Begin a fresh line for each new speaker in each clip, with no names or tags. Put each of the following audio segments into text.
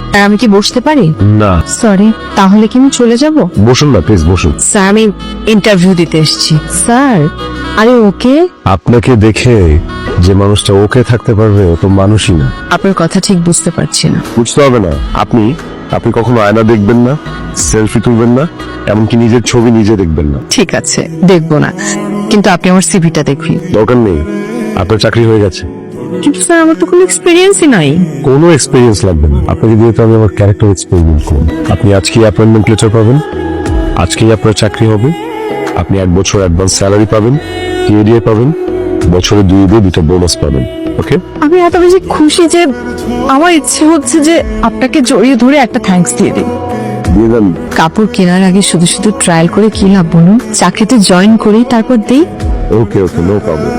আমি কি বসতে পারি?
না।
সরি, তাহলে কি আমি চলে যাব?
বসুন না প্লিজ, বসুন।
স্যার, আমি ইন্টারভিউ দিতে এসেছি। স্যার, আরে ওকে?
আপনাকে দেখে যে মানুষটা ওকে থাকতে পারবে ও তো মানুষই না।
আপনার কথা ঠিক বুঝতে পারছি না।
বুঝতে হবে না। আপনি আপনি কখনো আয়না দেখবেন না, সেলফি তুলবেন না, এমনকি নিজের ছবি নিজে দেখবেন না।
ঠিক আছে, দেখবো না, কিন্তু আপনি আমার সিভিটা দেখুন।
দরকার নেই, আপনার চাকরি হয়ে গেছে।
কিন্তু স্যার, আমার তো কোনো এক্সপিরিয়েন্সই নাই।
কোনো এক্সপিরিয়েন্স লাগবে না, আপনাকে দিয়ে তো আমি আমার ক্যারেক্টার এক্সপেরিমেন্ট করব। আপনি আজকেই অ্যাপয়েন্টমেন্ট লেটার পাবেন, আজকেই আপনার চাকরি হবে। আপনি 1 বছর অ্যাডভান্স স্যালারি পাবেন, টিএডিএ পাবেন, বছরে 2 বোনাস পাবেন। ওকে?
আমি এত বেশি খুশি যে আমার ইচ্ছে হচ্ছে যে আপনাকে জড়িয়ে ধরে একটা থ্যাঙ্কস দিয়ে দিই।
দিয়ে দেন।
কাপড় কেনার আগে শুধু শুধু ট্রায়াল করে কি লাভ বলুন? চাকরিতে জয়েন করি, তারপর দিই।
Okay okay, no problem.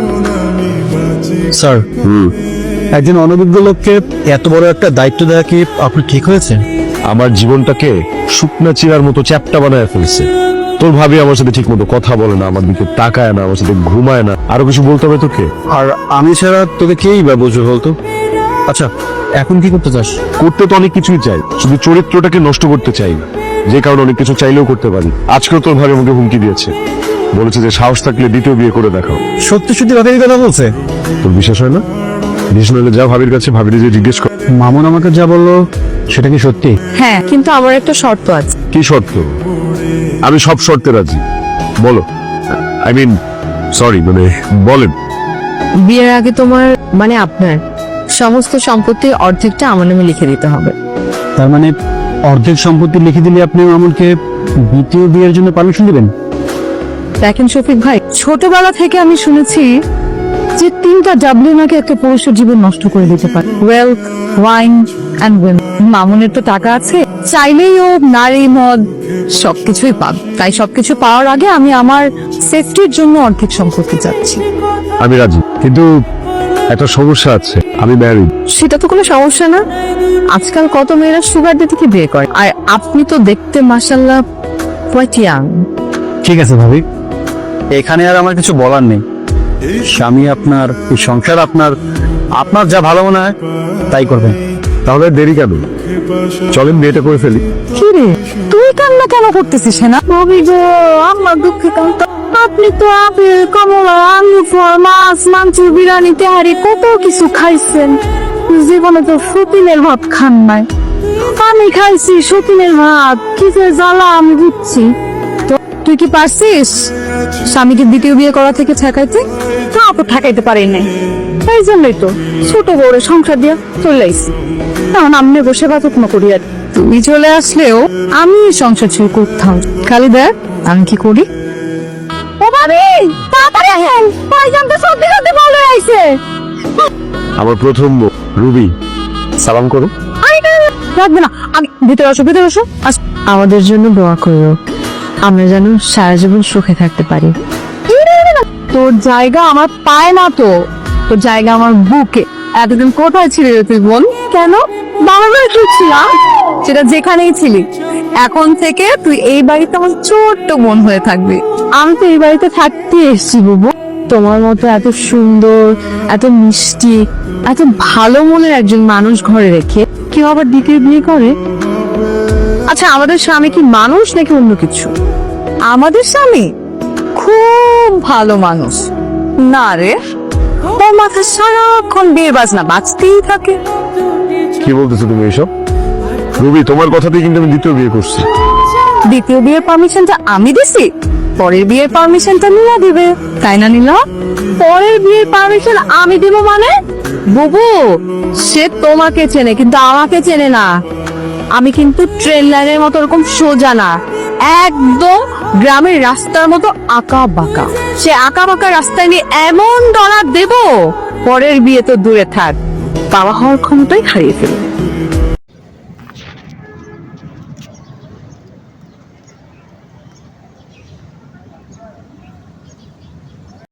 Sir, একজন অনভিজ্ঞ লোককে এত বড় একটা দায়িত্ব দেওয়া কি আপনার ঠিক হয়েছে?
আমার জীবনটাকে শুকনা চিরার মতো চ্যাপ্টা বানায় ফেলছে। তোর ভাবি আমার সাথে ঠিক মতো কথা বলে না, আমার দিকে তাকায় না, আমার সাথে ঘুমায় না। আরো কিছু বলতে হবে তোকে?
আর আমি ছাড়া তোকে কেই বা বুঝবে বলতো? আচ্ছা, এখন কি করতে চাস?
করতে তো অনেক কিছুই চাই, শুধু চরিত্রটাকে নষ্ট করতে চাই না। যে কারণে অনেক কিছু চাইলেও করতে পারি। আজকেও তোর ভাবি আমাকে হুমকি দিয়েছে, বলেছে যে সাহস থাকলে দ্বিতীয় বিয়ে করে দেখাও।
সত্যি সত্যি ভাবির কথা বলছে?
তোর বিশ্বাস হয় না? বিশ্বাস হলে যা ভাবির কাছে, ভাবির যে জিজ্ঞেস কর।
মামুন আমাকে যা বললো সেটা কি সত্যি?
হ্যাঁ, কিন্তু আমার একটা শর্ত আছে।
কি শর্ত? আমি সব শর্তে রাজি, বলো। আই মিন সরি, মানে বলেন।
বিয়ের আগে তোমার, মানে আপনার সমস্ত সম্পত্তির অর্ধেকটা আমার নামে লিখে দিতে হবে।
তার মানে অর্ধেক সম্পত্তি লিখে দিলে আপনি মামুনকে দ্বিতীয় বিয়ের জন্য পারমিশন দিবেন?
দেখেন শফিক ভাই, ছোটবেলা থেকে আমি শুনেছি যে 3টা ডাব্লিউ নাকি একটা পুরুষের জীবন নষ্ট করে দিতে পারে: ওয়েলথ, ওয়াইন এন্ড উইমেন। মামুনের তো টাকা আছে, চাইলেই ও নারী, মদ সবকিছুই পাবে। তাই সবকিছু পাওয়ার আগে আমি আমার সেফটির জন্য অর্ধেক সম্পত্তি চাচ্ছি।
আমি রাজি, কিন্তু একটা সমস্যা আছে, আমি ম্যারিড।
সেটা তো কোনো সমস্যা না। আজকাল কত মেয়েরা সুগার দিতে কি বিয়ে করে, আর আপনি তো দেখতে মাশাআল্লাহ কোয়াইট ইয়াং।
ঠিক আছে ভাবি, এখানে আর আমার কিছু বলার নেই। স্বামী আপনার, এই সংসার আপনার, আপনার যা ভালো মনে হয় তাই করবেন।
তাহলে দেরি কেন? চলেন বিয়েটা করে ফেলি।
কি রে, তুই কান্না কেন করতেছিস না? ভাবি গো, আমার দুঃখে কান্না। আপনি তো আপেল, কমলা, আলু, ফল, মাছ, মাংস, বিরিয়ানি, তেহারি কত কিছু খাইছেন, জীবনে তো সতীনের ভাত খান নাই। আমি খাইছি সতীনের ভাত, কি যে জ্বালা আমি বুঝছি। তো তুই কি পারছিস স্বামীকে দ্বিতীয় বিয়ে করা থেকে ঠেকাইতে? তা তো ঠেকাইতে পারি নাই, এই জন্যই তো ছোট বড় সংসার দিয়া চলে আইছি। এখন আমনে বসে বাতকমা করি। আর তুমি চলে আসলেও আমি সংসার ছেড়ে করতাম। খালি দেখ আমি কি করি। ও ভাবি, তাড়াতাড়ি আসেন, ভাইজান তো সত্যি সত্যি বলে আইছে।
আমার প্রথম বউ, রুবি, সালাম করো।
রাখবে না, আমি ভিতরে আসো, ভিতরে আসো। আমাদের জন্য দোয়া করো, আমরা যেন সারা জীবন সুখে থাকতে পারি। তোর জায়গা আমার পায় না তো, তোর জায়গা আমার বুকে। এতদিন কোথায় ছিলি রে তুই বোন? কেন বাবার বাড়িতে ছিলাম, সেটা যেখানেই ছিলি। এখন থেকে তুই এই বাড়িতে আমার ছোট্ট বোন হয়ে থাকবি। আমি তো এই বাড়িতে থাকতে এসেছি বুবু। তোমার মতো এত সুন্দর, এত মিষ্টি, এত ভালো মনের একজন মানুষ ঘরে রেখে কেউ আবার দ্বিতীয় বিয়ে করে? আচ্ছা, আমাদের স্বামী কি মানুষ নাকি অন্য কিছু? আমাদের স্বামী খুব ভালো মানুষ। না রে, ওর মাথায় সারাক্ষণ বিয়ের বাজনা বাজতেই থাকে।
কি বলতেছো তুমি এসব? রুবি, তোমার কথাতেই কিন্তু আমি দ্বিতীয় বিয়ে করছি।
দ্বিতীয় বিয়ের পারমিশনটা আমি দিছি, পরের বিয়ের পারমিশনটা নীলা দিবে, তাই না নীলা? পরের বিয়ের পারমিশন আমি দিব মানে? বুবু, সে তোমাকে চেনে কিন্তু আমাকে চেনে না। আমি কিন্তু ট্রেন লাইনের মতো এরকম সোজা না, একদম গ্রামের রাস্তার মতো আঁকা বাঁকা। সে আঁকা বাঁকা রাস্তায় নিয়ে এমন ডলার দেব, পরের বিয়ে তো দূরে থাক, বাবা হওয়ার ক্ষমতাই হারিয়ে ফেলবে।